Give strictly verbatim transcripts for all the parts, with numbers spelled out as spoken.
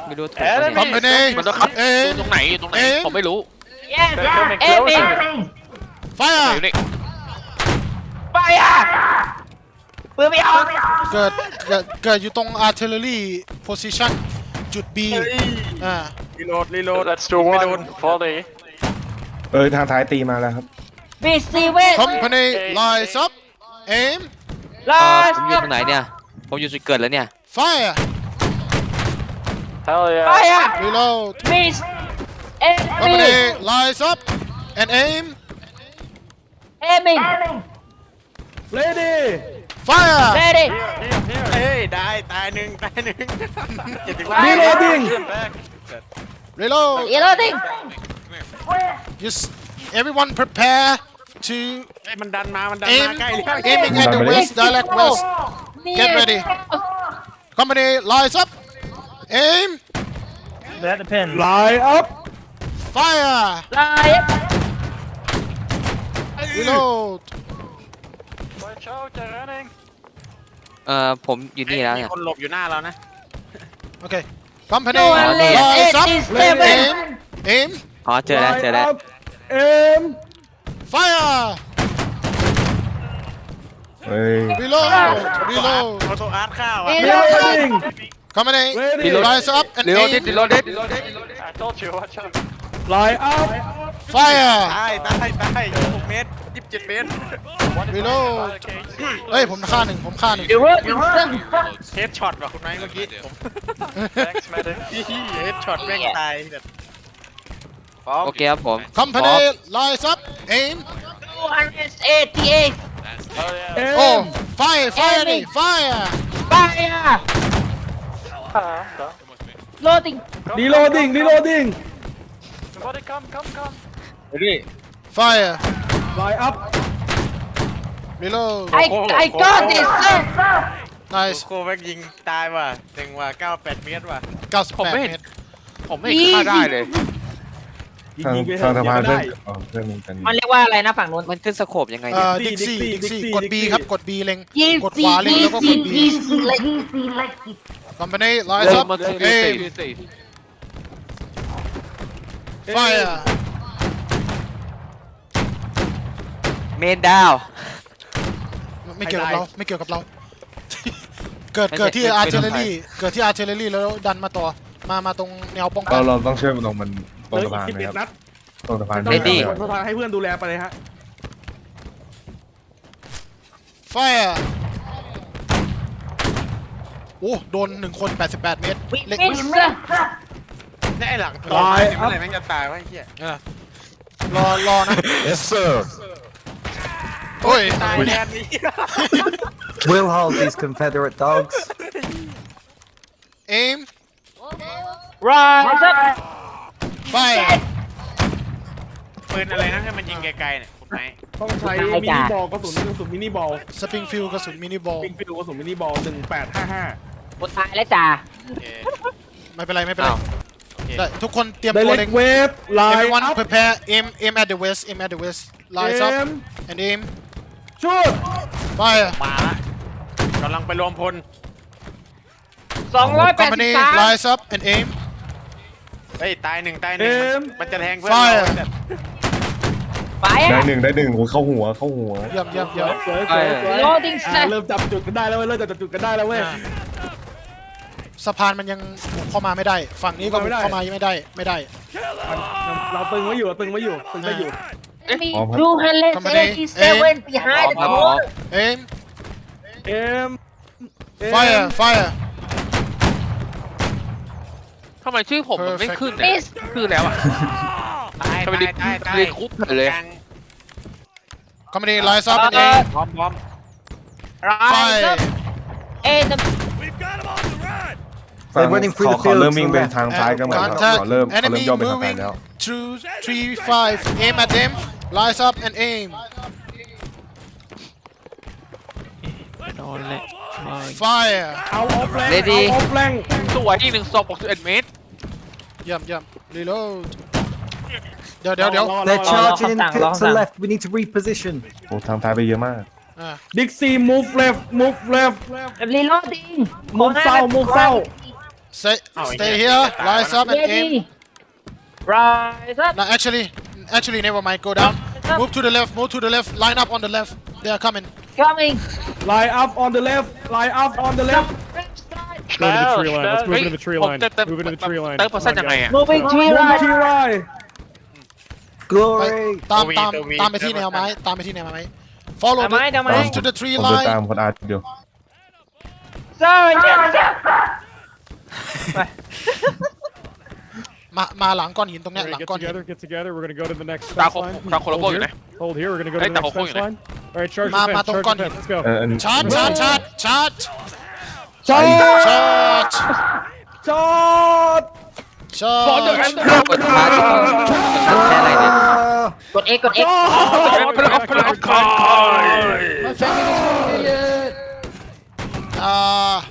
ไม่รู้ถูกคอมพานีมันต้องขับเอตรงไหนตรงไหนผมไม่รู้ Yes aiming ไฟร์อยู่นี่ fire ปืนไม่ออกเกิดเกิดเกิดอยู่ตรง artillery position จุด B อ่ารีโหลดรีโหลด Let's do one volley. เออทางท้ายตีมาแล้วครับ receive คอมพานี lies up aim เอ่อ last ผมอยู่ตรงไหนเนี่ยผมอยู่จุดเกิดแล้วเนี่ย fire Hell yeah. fire reload miss คอมพานี enemy lies up and aim aiming ready fire ready เฮ้ยได้ตายหนึ่งตายหนึ่งเจ็ดสิบรีโหลดดิ้ง reload reloading just everyone prepare to ไอ้มันดันมามันดัน aim มาใกล้แล้ว aiming at the west direct west get ready company lies up aim That depends. ไลน์อัพ fire live reload Watch out, they're running. เอ่อผมอยู่นี่แล้วมีเนี่ยคนหลบอยู่หน้าเรานะ okay company No one left. lies up eighty-seven. aim aim อ๋อเจอแล้วเจอแล้วเอ็ม fire เฮ้ย reload reload โอโตอาร์ตข้าวอ่ะ reloading company Reload. lies up and รีโหลดดิ aim รีโหลดดิ I told you, watch out. ไลน์อัพ fire ตายตายตายหกเมตรยี่สิบเจ็ดเมตร reload เฮ้ยผมฆ่าหนึ่งผมฆ่าหนึ่ง reloading เฮดช็อตว่ะคุณไนท์เมื่อกี้ผม Thanks, medic. เฮดช็อตแม่งตายแบบพร้อมโอเคครับผม company lies up aim two eighty-eight Hell yeah. oh fire fire นี่ fire fire Ah, I'm done. loading Come, reloading come, come, reloading come. Somebody come, come, come. fire ไลน์อัพ reload I I got this sir nice โคแม่งยิงตายว่ะหนึ่งว่ะเก้าแปดเมตรว่ะผมไม่เก้าสิบแปดเห็นเมตรผมไม่เห็นฆ่าได้เลยทางทางสะพานเพื่อนอ๋อเพื่อนมึงกันมันเรียกว่าอะไรนะฝั่งนู้นมันขึ้นสโคปยังไงเอ่เนี่ยอดิกซี่ดิกซี่กด B ครับกด B เล็งยี่กดขสี่วาเล็งยี่แล้วก็กสี่ด B ยี่สี่เลย company lies up มันคือ aim fire เมนดาวไม่เกี่ยวกับเราไม่เกี่ยวกับเรา เกิดเกิดที่ artillery เกิดที่ artillery แล้วดันมาต่อมามาตรงแนวป้องกัเรานเราต้องช่วยมันตรงมันตรงสะพานสิบไหมเอ็ดครับนัดตรงสะพานต้องไหมให้ครับสะพานให้เพื่อนดูแลไปเลยฮะ fire โอ้โดนหนึ่งคนแปดสิบแปดเมตรวิเล็กมิสนี่ไอ้หลังตายเมื่อไหร่แม่งจะตายวะไอ้เหี้ยรอรอนะ yes sir โอ้ยตายแทนนี้ We'll hold these Confederate dogs. aim rise up fire ปืนอะไรนะให้มันยิงไกลๆเนี่ยผมไหนต้องใช้ได้มิจ้ะนิบอลกระสุนกระสุนมินิบอลสปริงฟิลกระสุนมินิบอลปิงฟิลกระสุนมินิบอลหนึ่งแปดห้าห้าหมดตายแล้วจ้าโอเคไม่เป็นไรไม่เป็นไรโอเคได้ทุกคนเตรียมไดตัวเล็เล็กงเวฟไลน์ everyone อัพ prepare aim aim at the west aim at the west เอ lies up ม and aim ชุด fire มาละกำลังไปรวมพลสองร้อยแปดสิบ company สาม lies up and aim เฮ้ยตายหนึ่งตายหนึ่งมันมันจะแทงเพื่อน Fire เราแบบไปได้อ่ะหนึ่งได้หนึ่งโอ้ยเข้าหัวเข้าหัวเยี่ยมเยี่ยมเยี่ยมสวยสวยสวย loading อ่ะ set เริ่มจับจุดกันได้แล้วเว้ยเริ่มจับจุดกันได้แล้วเว้ยอ่าสะพานมันยังบุกเข้ามาไม่ได้ ฝั่งนี้ก็บุกเข้ามาไม่ได้ไม่ได้เราตึงไว้อยู่เราตึงไว้อยู่ตึงได้อยู่มีtwo hundred eighty-seven behind the ครับผม wall aim เอ็ม fire fire ทำไมชื่อผมมันไม่ขึ้นเนี่ย miss คือแล้วอ่ะตายทำไมตายตายตายเรียนคุกเลยกลาง company lies up and เอ่อ aim พร้อมพร้อม rise up and ฝั่ง running ข through อ the ขอเริ่ม fields วิ่ง to ไป the left. ทางซ้ายกันหมดแล้ว contact ขอเริ่มขอเริ่ม enemy ย่อไปทางซ้าย moving แล้ว through three five aim at them lies up and aim นอนเลย fire เอาออฟแรง Ready เอาออฟแรงสวยอีกหนึ่งศพหกสิบเอ็ดเมตรเยี่ยมเยี่ยม reload เดี๋ยวเดี๋ยวเดี๋ยว They're Long, long, charging in long, to long, the long. left. We need to reposition. โอ้ทางซ้ายไปเยอะมากอ่าดิกซี่ move left move left reloading Move เศร้า move เศร้า stay stay here rise up and aim Ready Rise up no actually actually never mind go down move to the left move to the left line up on the left they are coming Coming line up on the left line up on the left Go to the tree line. Let's move ฮ้ย into the tree ผม line. เติมเติม Move into the tree line. เติมเปอร์เซ็นต์ยังไงอ่ะ Moving to your Move right to your right ไป Glory. ตามตัว V ตามตัว V ตามไปที่แนวไม้ตามไปที่แนวไม้ follow ทำไม the ทำไม move to the tree ผมเดิน line ตามคนอาร์ตอยู่ Sorry มามาหลังก้อนหินตรงเนี้ย Alright, หลัง get ก้อนหิน together, get together. We're gonna go to the next ตา fence โค line. ตาโคโลโบ Hold อยู่ไหน here. Hold here. We're gonna go to Hey, the next Tahoe fence อยู่ไหน line. All right, charge the มา fence. มาตรง Charge ก้อน the หิน fence. Let's go. เอออันนี้ชาร์จชาร์จชาร์จชาร์จใช่ชาร์จช็อตชาบอลเดอร์ร์จกดชาร์จชาร์จแค่อะไรเนี่ยกด X กด X พลังพลังคายอ่า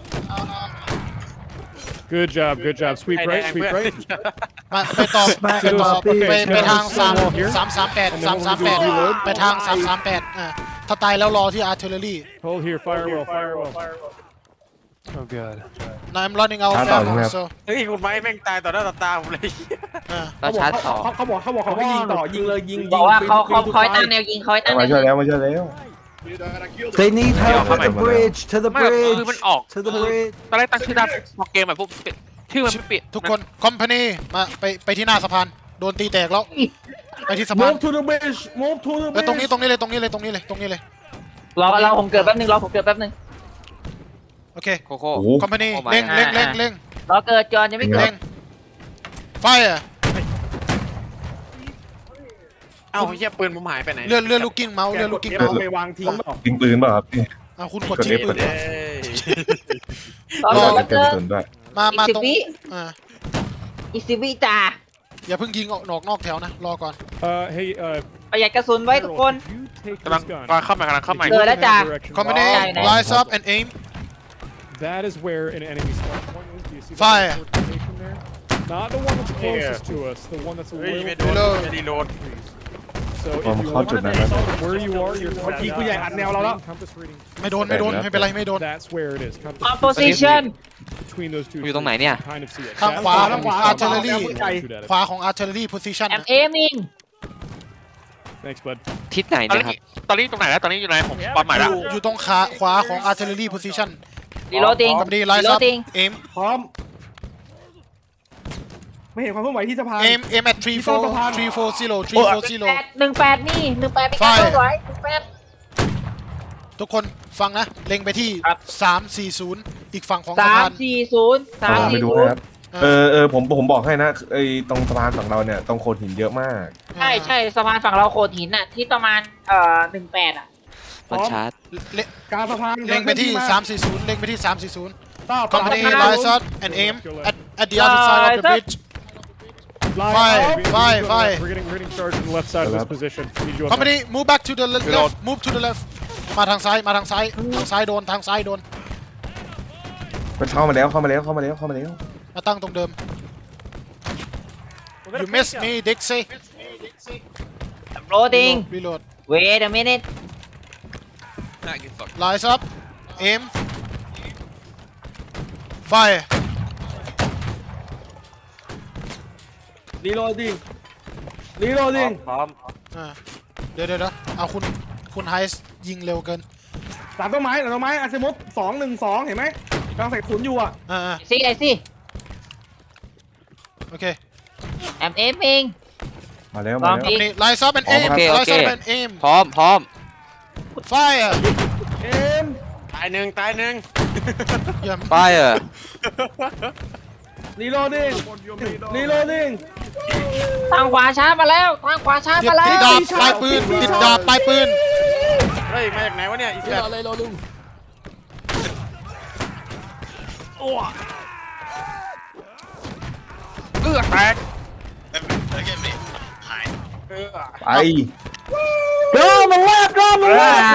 Good job. Good job. Sweep ไอ้แด right. งเพื่ Sweep อน right. มาไปต่อไปต่อ Okay, ไปไป so ทางสาม wall here. สามสามแปดสามสามแปดไปทางสามสามแปดอ่าถ้าตายแล้วรอที่ artillery Hold here. Firewall. Firewall. Oh god now I'm running out of ชาร์จต่อ ammo ใช่ไหมครับ so เฮ้ยคุณไม้แม่งตายต่อหน้าต่อตาผมเลยอ่าเราชาร์จต่อเขาเขาบอกเขาบอกเขาให้ยิงต่อยิงเลยยิงบอกว่าเขาเขาคอยตั้งแนวยิงคอยตั้งแนมาว ช่วยยิงแล้วมาช่วยแล้ว They need help at the Come on. bridge. To the ไม่คือมัน bridge. ออก To the bridge. ตอนแรกตั้งชื่อได้พอเกมแบบพวกชื่อมันไม่เปลี่ยนทุกคน company มาไปไปที่หน้าสะพานโดนตีแตกแล้วไปที่สะพาน Move to the bridge Move to the ไปตรงนี้ bridge ตรงนี้เลยตรงนี้เลยตรงนี้เลยตรงนี้เลยรอรอผมเกิดแป๊บนึงรอผมเกิดแป๊บนึงโอเคโคโค่โอ้โห company โอ้ my เร่งเร่งเร่งเร่งรอเกิดก่อนยังไม่เกิเร่ดง fire เอ้าเฮียปืนผมหายไปไหนเลื่อนเลื่อนลูกกิ้งเมาส์เลื่อนลูกกิ้งเก็บเมาส์เอาไปวางทิ้งเปล่ายิงปืนเปล่าครับพี่อ่ะคุณกดกดทิ้ง F ปืนเอ้ยรอรอเกิดเกิแป๊ดบกระนึสุงนด้วยมามาอีกสิบตรงวิอ่าอีกสิบวิจ่าอย่าเพิ่งยิงออกนอกนอกแถวนะรอก่อน Uh, hey, uh, ประหยัดกระสุนไว้ทุกคน Harold, you take กำลัง this gun. กำลังเข้ามากำลังเข้ามาเกิดแล้วจ้า Direction. company Wow. rise up and aim That is where an enemy spawn point is. Do you see Fire. the fortification there? Not the one that's closest to us. The one that's a เฮ้ย little ไม่โดน Reload ไม่ได้โดน So if ผม you เข้า look จุด at นั้นแล้ว where you are, you're เมื่อกี้กูใหญ่อัดแนวเราแล้ว compass reading. ไม่โดนไม่โดนไม่เป็นไรไม่โดน That's where it is. Compass on position between those two. อยู่ตรงไหน trees. เนี่ย Kind of see it. ข้าง That's ขวา where ข้างขวา enemies spawn. artillery Shoot at it. ขวาของ artillery position I'm นะ aiming Thanks, bud. ทิศไหนตอนเนี่ยคนี้รับตอนนี้ตรงไหนแล้วตอนนี้อยู่ไหนผมปาใหม่แล้วอยู่ตรงขาขวาของ artillery position reloading company rise up reloading aim พร้อม ไม่เห็นความเคลื่อนไหวที่สะพาน aim aim at three four three four zero three four zero แปดหนึ่งแปดนี่หนึ่งแปดเป็นการ Fire เคลื่อนไหวหนึ่งแปดทุกคนฟังนะ เล็งไปที่ครับสามสี่ศูนย์อีกฝั่งของสะสามพานสี่ศูนย์สามผมไปสี่ดูศูนนะย์ครับ เออเออผมผมบอกให้นะไอ้ตรงสะพานฝั่งเราเนี่ยตรงโขดหินเยอะมากใช่ใช่สะพานฝั่งเราโขดหินน่ะที่ประมาณเอ่อหนึ่งแปดอ่ะมันชาร์จเล็งกลางสะพานเล็งไปที่มาสามสี่ศูนย์เล็งไปที่สามสี่ศูนย์ต้า company สาม rise up and aim at at the other side of the bridge Line Fire, up. We- we fire, go to fire. left. We're getting, we're getting charged on the left side of this Left. position. We need you up company move back to the le- Reload. left move to the left มาทางซ้ายมาทางซ้ายทางซ้ายโดนทางซ้ายโดนมันเข้ามาแล้วเข้ามาแล้วเข้ามาแล้วเข้ามาแล้วมาตั้งตรงเดิม you missed me Dixie loading reload wait a minute rise up aim fire รีโหลดดิ้งรีโหลดดิ้งพร้อมอ่าเดี๋ยวเดี๋ยวเดี๋ยวเอาคุณคุณไฮส์ยิงเร็วเกินหลังต้นไม้หลังต้นไม้อาซิมุสสองหนึ่งสองเห็นไหมกำลังใส่ขุนอยู่อ่ะอ่าอ่า see I see โอเค I'm aiming มาแล้วมาแล้ว company rise up and aim โอเคโอ rise เค up and aim พร้อมพร้อม fire เอ็มตายหนึ่งตายหนึ่งเยี่ยมไฟเออร์รีโหลดดิ้งรีโหลดดิ้งทางขวาช้ามาแล้วทางขวาช้าติดมาแล้ติดวดาบปลายปืนติดดาบปลายปืนเฮ้ยมาจากไหนวะเนี่ยอีสัตว์เอื้อแตกเออไป go on the left go on the left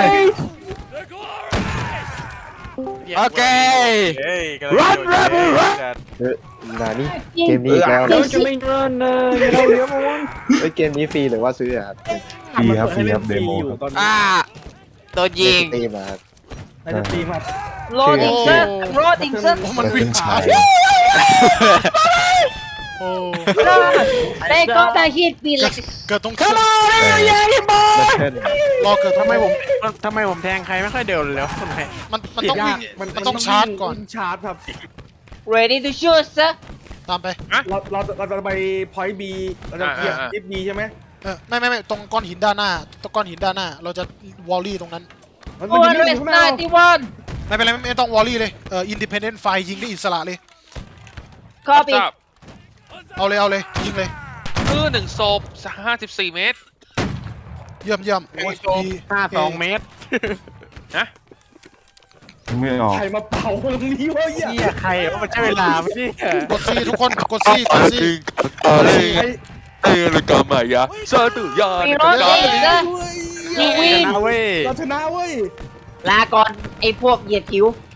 โอเคเฮ้ยกำลัง Run Rebel Run นานี่เกมนี้อีกแล้ว Don't you mean run? Uh, you know the other one? เฮ้ยเกมนี้ฟรีหรือว่าซื้อครับฟรีครับฟรีครับเดโมครับตอนนี้อ่าโดนยิงตีมาครับในสตรีมครับ loading sir I'm loading sir โอ้มันวิ่งช้าโอ้ They got a hit me เกิด like เกิดตรงเครื่องแล้วเช่นรอเกิดทำไมผมทำไมผมแทงใครไม่ค่อยเดินเลยแล้วคนไหนมันมันต้องวิ่งมันมันต้องชาร์จก่อนชาร์จครับ ready to shoot sir ตามไปเราเราเราจะไป point B เราจะเคลียร์ ทิศ B ใช่ไหมเออไม่ไม่ไม่ตรงก้อนหินด้านหน้าตรงก้อนหินด้านหน้า เราจะวอลลี่ตรงนั้นมันมันยิงอยู่ข้างหน้าเรา one ninety-one ไม่เป็นไรไม่ไม่ต้องวอลลี่เลยเอออินดิเพนเดนต์ไฟยิงได้อิสระเลย copy ทราบเอาเลยเอาเลยยิงเลยเออหนึ่งศพห้าสิบสี่เมตรเยี่ยมเยี่ยมโอ้ยดีห้าสองเมตรไม่ออกใครมาเป่าตรงนี้วะเหี้ยเฮียใครว่ามันใช่เวลาไม่ใช่กดซีทุกคนกดซีกดซีใครเอ้ยรายการใหม่ยะซาตุยา reloading sir เฮ้ย you win นะเว้ยเราชนะเว้ยลาก่อนไอ้พวกเหยียดผิว